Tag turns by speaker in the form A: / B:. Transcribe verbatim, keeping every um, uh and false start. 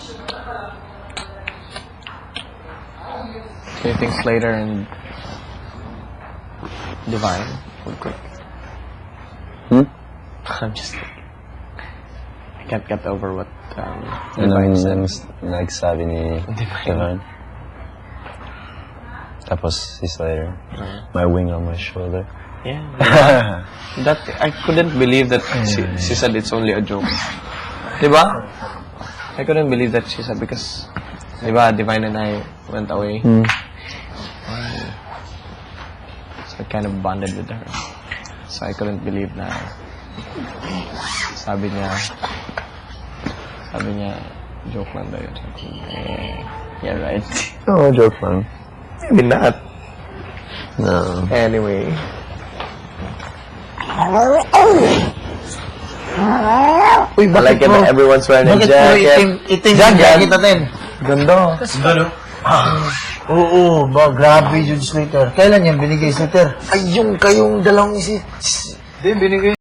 A: Do you think Slater and Divine would quit?
B: Hmm?
A: I'm just I can't get over what um,
B: Divine
A: Divine
B: said.
A: said.
B: Nagsabi ni
A: Divine.
B: Divine. Tapos si Slater.
A: Uh,
B: My wing on my shoulder.
A: yeah. That I couldn't believe that she, she said it's only a joke. Diba? I couldn't believe that she said because diba, Divine and I went away.
B: Hmm.
A: So I kind of bonded with her. So I couldn't believe na sabi niya sabi niya joke lang daw yun. Eh, yeah, right.
B: Oh, joke lang.
A: Maybe not.
B: No.
A: Anyway.
C: Uy,
A: I like it that everyone's wearing a
C: Bakit mo
A: jacket.
C: itim, itim
A: Jacket.
C: yung jacket natin?
A: Ganda.
C: Gano? Oo, ba, grabe yun, Slater. Kailan yan binigay, Slater? Ay, yung kayong dalawang isi...
A: Hindi, binigay